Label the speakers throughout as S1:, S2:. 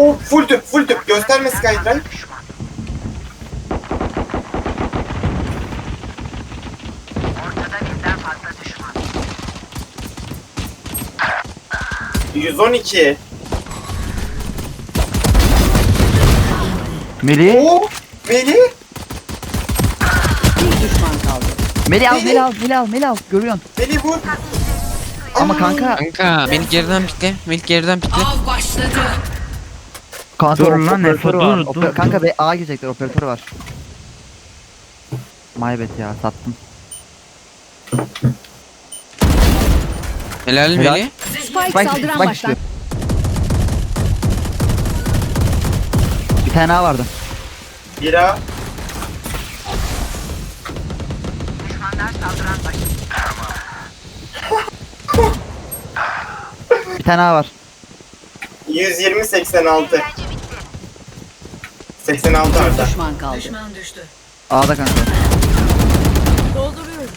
S1: Oo, full tüp, full tüp. Gösterme Skydrive.
S2: Ortada birden fazla düşman.
S1: 112.
S3: Melih.
S1: Oo, Melih.
S4: Bir düşman kaldı.
S3: Melih al,
S1: Melih.
S3: Melih al, Melih al, Melih al. Görüyorsun.
S1: Melih vur.
S3: Ama kanka.
S5: Kanka beni geriden pikle. Beni geriden pikle.
S4: Av başladı.
S3: Kanka
S6: Dur lan,
S3: operatörü
S6: Efe,
S3: var.
S6: dur.
S3: Kanka be A girecekler, operatörü var. Maybet ya, sattım.
S5: Helal
S3: Helal.
S5: Melih.
S4: Spike
S3: Spike
S4: saldıran
S3: düştü.
S4: baştan.
S3: Bir tane A vardı.
S1: Bira.
S2: Düşmanlar saldıran başladı.
S3: Bir tane A var.
S1: 120 86. 86
S4: Bir
S1: Arda.
S4: düşman kaldı. Düşman düştü.
S3: A'da kanka.
S4: Dolduruyorum.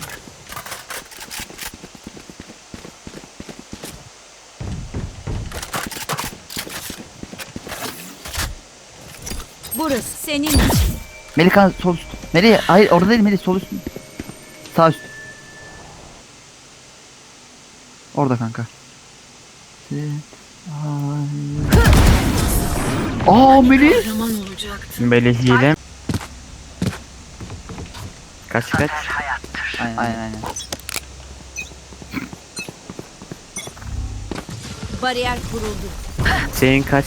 S4: Burası senin için.
S3: Melih kanka sol üst. Melih hayır orada değil Melih, sol üst. Sağ üst. Orada kanka. Aa Melih.
S4: Kahraman olacaktı.
S6: Melih hile. Kaç.
S3: Aynen.
S4: Bariyer kuruldu.
S6: Senin kaç.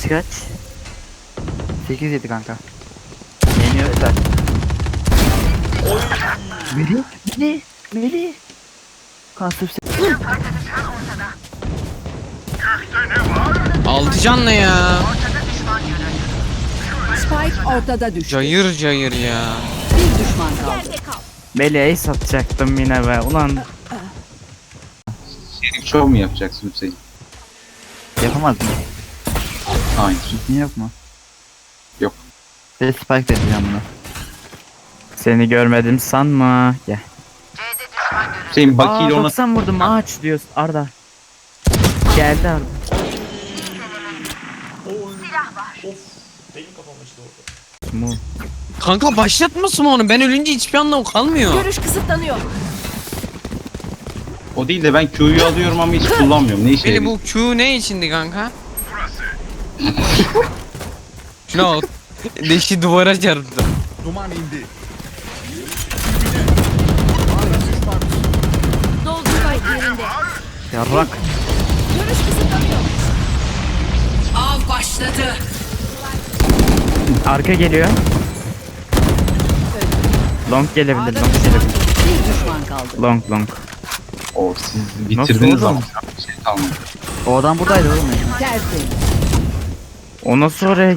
S3: 8-7 kanka.
S6: Yeniyorlar.
S3: Melih. Kanka sırf
S5: Altı canlı ya.
S4: Spike ortada düştü.
S5: Cayır cayır ya.
S4: Bir düşman kaldı.
S6: Melih'e satacaktım yine be. Ulan
S7: Şerif şov mu yapacaksın Hüseyin?
S3: yapamaz mı?
S7: Hayır.
S3: Niye yok mu?
S7: Yok.
S3: Ve spike de edeceğim bunu.
S6: seni görmedim sanma. Gel.
S2: C'de düşman görüldü.
S7: Hüseyin
S6: Aa
S7: bakiyle ona
S6: 90 vurdum, ağaç diyorsun Arda. Geldi Arda. Mu.
S5: Kanka başlatmasın onu. Ben ölünce hiçbir anlamı kalmıyor.
S4: Görüş kısıtlanıyor.
S7: o değil de ben Q'yu alıyorum ama hiç kullanmıyorum. Ne işe
S5: Melih
S7: yarıyor?
S5: bu Q ne içindi kanka? Şuna bak. Deşi duvara çarptı.
S4: Dolduray yerinde.
S3: Yarrak.
S4: Görüş kısıtlanıyor. Av başladı.
S6: Arka geliyor. Long gelebilir, long gelebilir.
S4: Bir düşman kaldı.
S6: Long.
S7: O siz
S6: Nasıl
S7: bitirdiniz
S6: oldu?
S7: ama bir şey kalmadı.
S3: O adam buradaydı oğlum ya.
S4: Tersin.
S6: O nasıl oraya